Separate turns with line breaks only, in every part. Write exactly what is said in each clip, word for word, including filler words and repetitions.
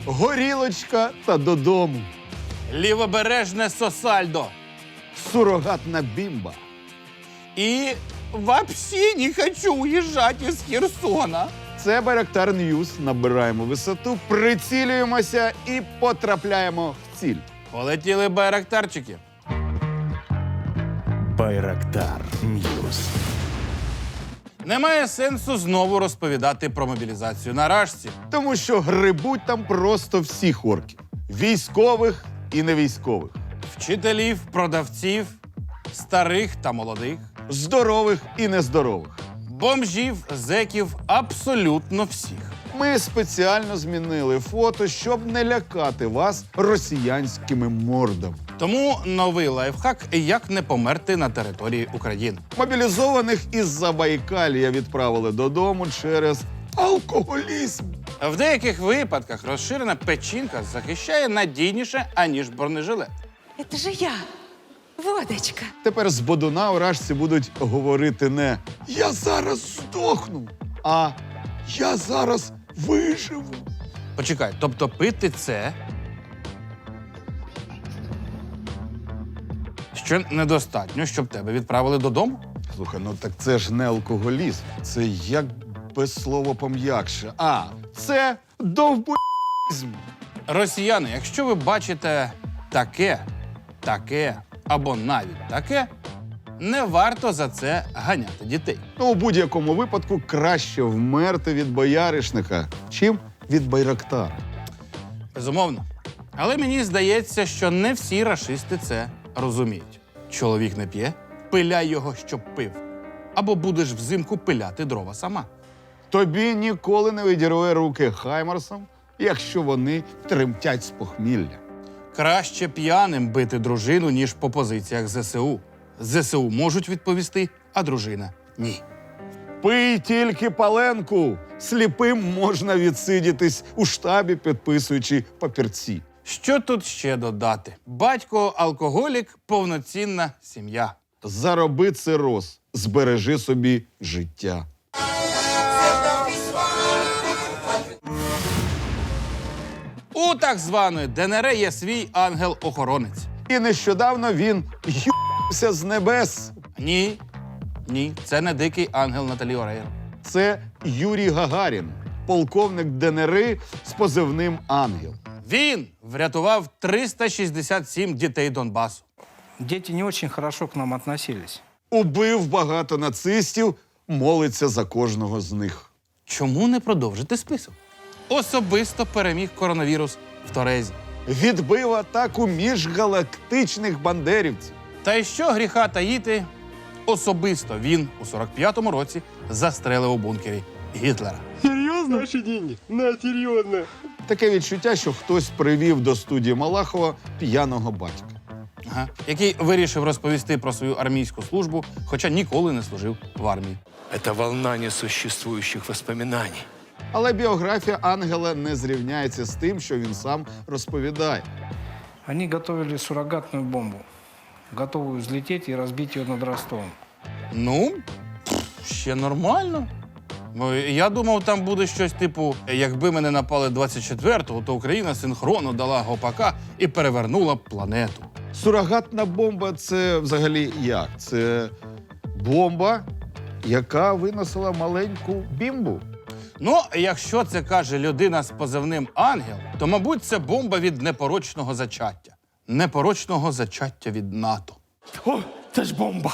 горілочка та додому.
Лівобережне Сосальдо.
Сурогатна бімба.
І вообще не хочу уїжджати із Херсона.
Це Байрактар Ньюс. Набираємо висоту, прицілюємося і потрапляємо в ціль.
Полетіли байрактарчики.
Байрактар Ньюс.
Немає сенсу знову розповідати про мобілізацію на Рашці.
Тому що грибуть там просто всіх орків. Військових і невійськових.
Вчителів, продавців, старих та молодих,
Здорових і нездорових.
бомжів, зеків, абсолютно всіх.
Ми спеціально змінили фото, щоб не лякати вас росіянськими мордами.
Тому новий лайфхак – як не померти на території України.
Мобілізованих із Забайкалія відправили додому через алкоголізм.
В деяких випадках розширена печінка захищає надійніше, аніж бронежилет.
Это же я, водочка.
Тепер з бодуна у Рашці будуть говорити не «Я зараз здохну», а «Я зараз виживу».
Почекай, тобто пити це що недостатньо, щоб тебе відправили додому?
Слухай, ну так це ж не алкоголізм. Це як без слова пом'якше. А, це довбоїзм.
Росіяни, якщо ви бачите таке, таке або навіть таке, не варто за це ганяти дітей.
Ну, у будь-якому випадку краще вмерти від бояришника, чим від байрактара.
Безумовно. Але мені здається, що не всі рашисти це розуміють. Чоловік не п'є, пиляй його, щоб пив. Або будеш взимку пиляти дрова сама.
Тобі ніколи не відірве руки хаймарсам, якщо вони тремтять з похмілля.
Краще п'яним бити дружину, ніж по позиціях ЗСУ. ЗСУ можуть відповісти, а дружина – ні.
Пий тільки паленку. Сліпим можна відсидітись у штабі, підписуючи папірці.
Що тут ще додати? Батько – алкоголік, повноцінна сім'я.
Зароби цироз, збережи собі життя.
У так званої ДНР є свій ангел-охоронець.
І нещодавно він ю***ся з небес.
Ні, ні, це не дикий ангел Наталі Орейро.
Це Юрій Гагарін, полковник ДНР з позивним «Ангел».
Він врятував триста шістдесят сім дітей Донбасу.
Дети не очень хорошо к нам относились.
Убив багато нацистів, молиться за кожного з них.
Чому не продовжити список? Особисто переміг коронавірус в Торезі.
Відбив атаку міжгалактичних бандерівців.
Та й що гріха таїти, особисто він у сорок п'ятому році застрелив у бункері Гітлера.
Серьезно? Наши деньги? На, серьезно.
Таке відчуття, що хтось привів до студії Малахова п'яного батька.
Ага. Який вирішив розповісти про свою армійську службу, хоча ніколи не служив в армії.
Это волна несуществующих воспоминаний.
Але біографія Ангела не зрівняється з тим, що він сам розповідає.
Они готовили суррогатную бомбу, готовую взлететь и разбить ее над Ростовом.
Ну, пф, ще нормально. Ну, я думав, там буде щось типу, якби мене напали двадцять четвертого, то Україна синхронно дала гопака і перевернула б планету.
Сурогатна бомба – це взагалі як? Це бомба, яка виносила маленьку бімбу.
Ну, якщо це каже людина з позивним «Ангел», то, мабуть, це бомба від непорочного зачаття. Непорочного зачаття від НАТО.
О, це ж бомба!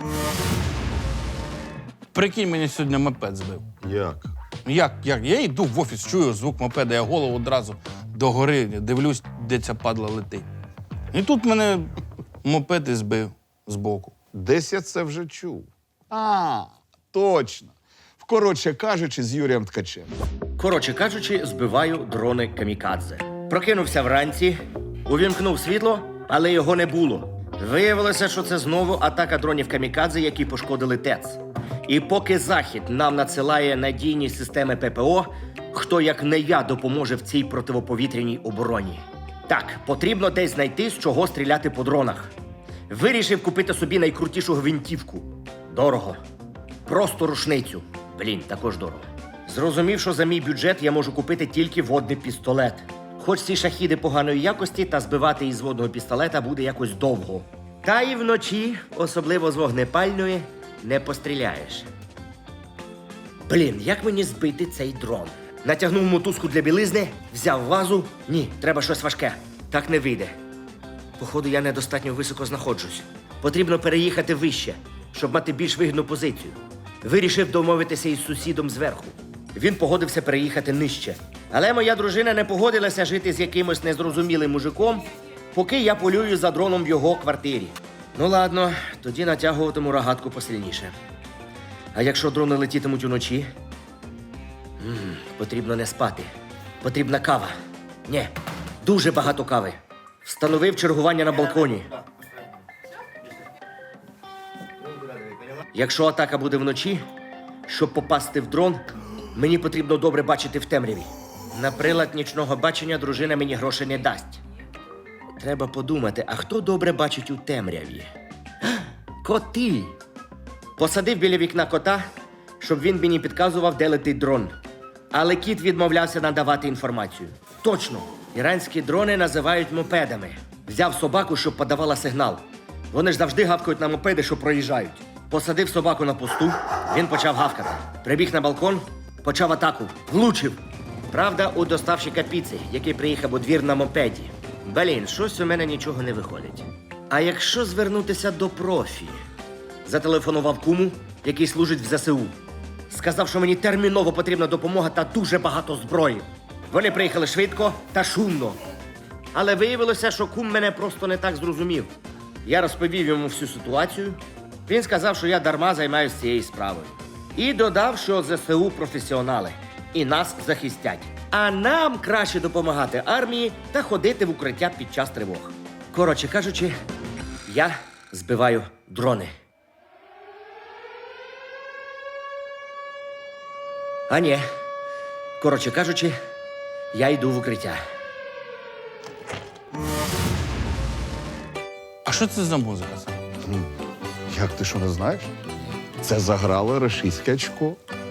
Прикинь, мені сьогодні мопед збив.
Як?
Як, як? Я йду в офіс, чую звук мопеда, я голову одразу догори, дивлюсь, де ця падла летить. І тут мене мопед і збив збоку.
Десь я це вже чув. А, точно. Коротше кажучи, з Юрієм Ткачем.
Коротше кажучи, збиваю дрони камікадзе. Прокинувся вранці, увімкнув світло, але його не було. Виявилося, що це знову атака дронів камікадзе, які пошкодили ТЕЦ. І поки Захід нам надсилає надійні системи ППО, хто як не я допоможе в цій противоповітряній обороні. Так, потрібно десь знайти, з чого стріляти по дронах. Вирішив купити собі найкрутішу гвинтівку. Дорого. Просто рушницю. Блін, також дорого. Зрозумів, що за мій бюджет я можу купити тільки водний пістолет. Хоч ці шахіди поганої якості, та збивати із водного пістолета буде якось довго. Та і вночі, особливо з вогнепальної, не постріляєш. Блін, як мені збити цей дрон? Натягнув мотузку для білизни, взяв вазу. Ні, треба щось важке. Так не вийде. Походу, я недостатньо високо знаходжусь. Потрібно переїхати вище, щоб мати більш вигідну позицію. Вирішив домовитися із сусідом зверху. Він погодився переїхати нижче. Але моя дружина не погодилася жити з якимось незрозумілим мужиком, поки я полюю за дроном в його квартирі. Ну ладно, тоді натягуватиму рогатку посильніше. А якщо дрони летітимуть уночі? М-м, потрібно не спати. Потрібна кава. Ні, дуже багато кави. Встановив чергування на балконі. Якщо атака буде вночі, щоб попасти в дрон, мені потрібно добре бачити в темряві. На прилад нічного бачення дружина мені грошей не дасть. Треба подумати, а хто добре бачить у темряві? Коти! Посадив біля вікна кота, щоб він мені підказував, де летить дрон. Але кіт відмовлявся надавати інформацію. Точно! Іранські дрони називають мопедами. Взяв собаку, щоб подавала сигнал. Вони ж завжди гавкають на мопеди, що проїжджають. Посадив собаку на посту, він почав гавкати. Прибіг на балкон, почав атаку. Влучив. Правда, у доставщика піци, який приїхав у двір на мопеді. Блін, щось у мене нічого не виходить. А якщо звернутися до профі? Зателефонував куму, який служить в зе се у. Сказав, що мені терміново потрібна допомога та дуже багато зброї. Вони приїхали швидко та шумно. Але виявилося, що кум мене просто не так зрозумів. Я розповів йому всю ситуацію. Він сказав, що я дарма займаюся цією справою. І додав, що зе се у професіонали. І нас захистять. А нам краще допомагати армії та ходити в укриття під час тривог. Коротше кажучи, я збиваю дрони. А ні. Коротше кажучи, я йду в укриття.
А що це за музика?
Як ти що не знаєш? Це заграло рашистське очко.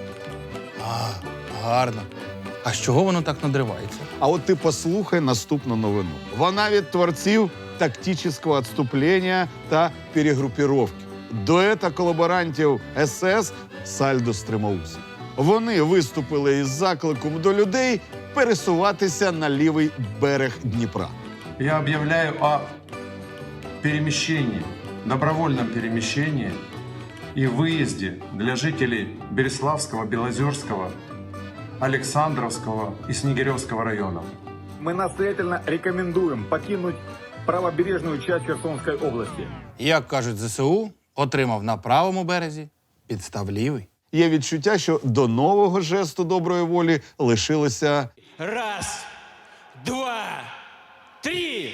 Гарно. А з чого воно так надривається?
А от ти послухай наступну новину. Вона від творців тактичного відступлення та перегрупіровки. Дуета колаборантів ес ес Сальдо Стримаусів. Вони виступили із закликом до людей пересуватися на лівий берег Дніпра.
Я объявляю о перемещении, добровольном перемещении и выезде для жителей Береславского, Белозерского, Александровского и Снегиревского районов.
Мы настоятельно рекомендуем покинуть правобережную часть Херсонской области.
Як кажуть зе се у, отримав на правому березі, підстав лівий.
Є відчуття, що до нового жесту доброї волі лишилося
Раз, два, три.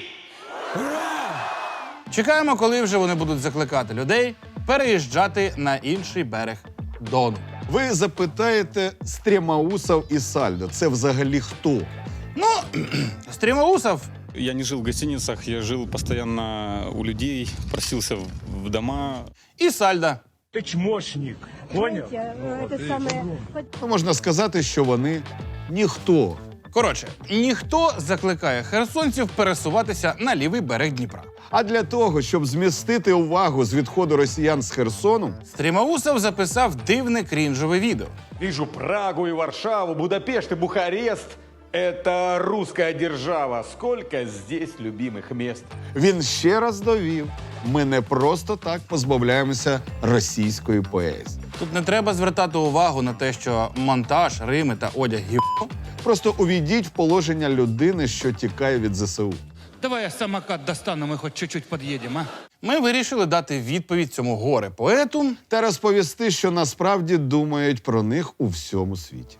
Чекаємо, коли вже вони будуть закликати людей переїжджати на інший берег Дону.
Ви запитаєте Стремаусов і Сальдо. Це взагалі хто?
Ну, Стримаусов
Я не жил в гостиницах, я жил постоянно у людей, просился в, в дома.
і Сальда.
Ты чмошник, понял?
Ну, можна сказати, що вони ніхто.
Коротше, ніхто закликає херсонців пересуватися на лівий берег Дніпра.
А для того, щоб змістити увагу з відходу росіян з Херсону,
Стримаусов записав дивне крінжове відео.
Вижу Прагу и Варшаву, Будапешт и Бухарест. Это русская держава. Сколько здесь любимых мест.
він ще раз довів, ми не просто так позбавляємося російської поезії.
Тут не треба звертати увагу на те, що монтаж, рими та одяг гівно.
Просто увійдіть в положення людини, що тікає від зе се у.
Давай я самокат достану, мы хоть чуть-чуть подъедем, а?
Ми вирішили дати відповідь цьому горе-поету.
Та розповісти, що насправді думають про них у всьому світі.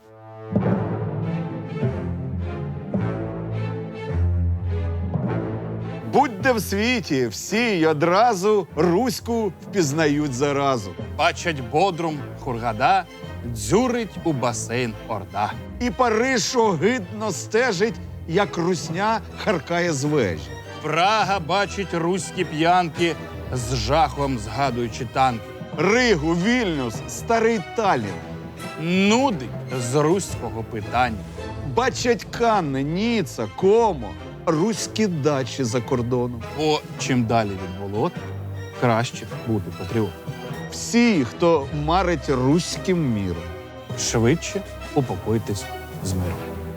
Будь-де в світі, всі й одразу руську впізнають заразу.
Бачать Бодрум, Хургада, дзюрить у басейн Орда.
І Париж огидно стежить, як русня харкає з вежі.
Прага бачить руські п'янки, з жахом згадуючи танки.
Ригу, Вільнюс, старий Таллін.
Нудить з руського питання.
Бачать Канни, Ніца, Комо, руські дачі за кордоном.
Бо чим далі від болот, краще бути патріотом.
Всі, хто марить руським міром.
Швидше упокойтесь з миром.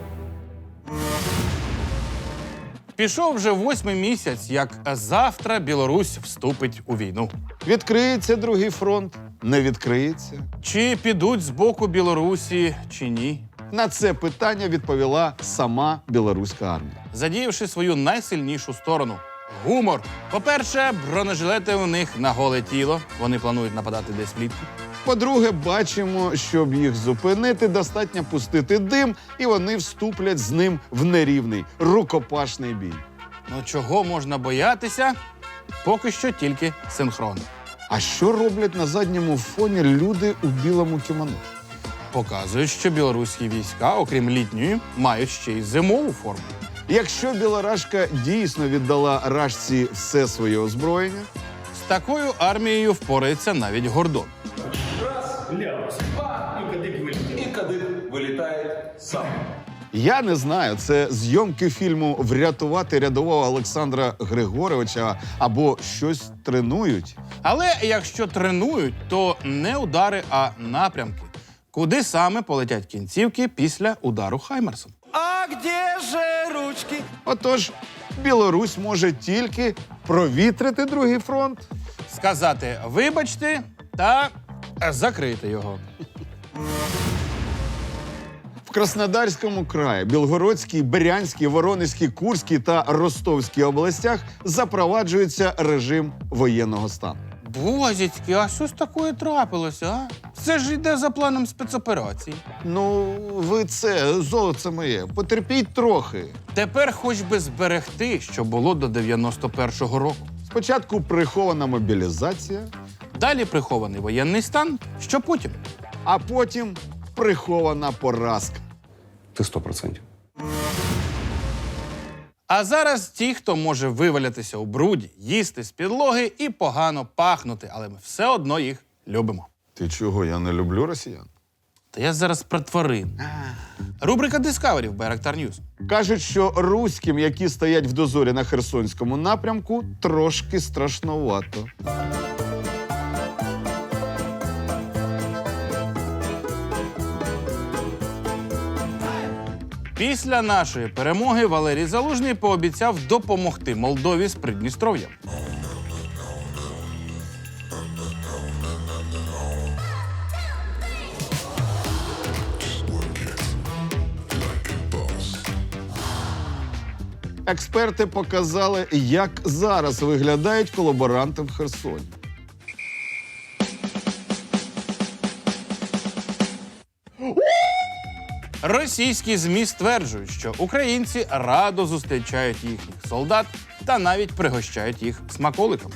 Пішов вже восьмий місяць, як завтра Білорусь вступить у війну.
Відкриється другий фронт, не відкриється.
Чи підуть з боку Білорусі, чи ні?
На це питання відповіла сама білоруська армія.
Задіявши свою найсильнішу сторону – гумор. По-перше, бронежилети у них на голе тіло. Вони планують нападати десь влітку.
По-друге, бачимо, щоб їх зупинити, достатньо пустити дим, і вони вступлять з ним в нерівний, рукопашний бій.
Ну чого можна боятися? Поки що тільки синхронно.
А що роблять на задньому фоні люди у білому кімоно?
Показують, що білоруські війська, окрім літньої, мають ще й зимову форму.
Якщо білорашка дійсно віддала рашці все своє озброєння,
з такою армією впорається навіть Гордон.
я не знаю, це зйомки фільму «Врятувати рядового Олександра Григоровича» або щось тренують.
Але якщо тренують, то не удари, а напрямки. Куди саме полетять кінцівки після удару Хаймерсом?
А где же ручки?
Отож, Білорусь може тільки провітрити другий фронт.
Сказати «вибачте» та закрити його.
В Краснодарському краї, Білгородській, Брянській, Воронезькій, Курській та Ростовській областях запроваджується режим воєнного стану.
Бозіцьки, а що ж такое трапилося, а? Це ж йде за планом спецоперації.
Ну, ви це, золоце моє, потерпіть трохи.
Тепер хоч би зберегти, що було до дев'яносто першого року.
Спочатку прихована мобілізація,
Далі прихований воєнний стан, що потім?
а потім прихована поразка.
Ты сто процентов.
А зараз ті, хто може вивалятися у бруді, їсти з підлоги і погано пахнути, але ми все одно їх любимо.
Ти чого, я не люблю росіян?
Та я зараз про тварин. Рубрика Discovery в Байрактар Ньюс.
Кажуть, що руським, які стоять в дозорі на Херсонському напрямку, трошки страшновато.
Після нашої перемоги Валерій Залужний пообіцяв допомогти Молдові з Придністров'ям.
Експерти показали, як зараз виглядають колаборанти в Херсоні.
Російські ЗМІ стверджують, що українці радо зустрічають їхніх солдат та навіть пригощають їх смаколиками.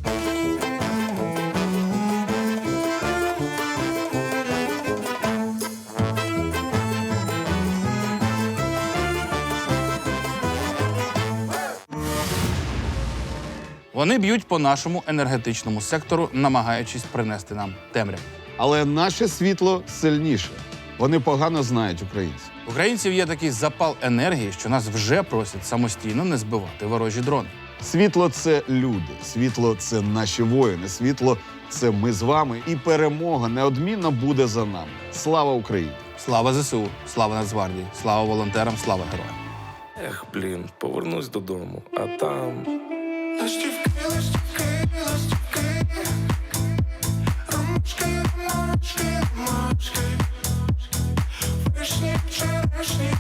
Вони б'ють по нашому енергетичному сектору, намагаючись принести нам темряву.
Але наше світло сильніше. Вони погано знають українців.
У українців є такий запал енергії, що нас вже просять самостійно не збивати ворожі дрони.
Світло – це люди, світло – це наші воїни, світло – це ми з вами. І перемога неодмінно буде за нами. Слава Україні!
Слава ЗСУ, слава Нацгвардії, слава волонтерам, слава героям.
Ех, блін, повернусь додому, а там...
Вишні, черешні,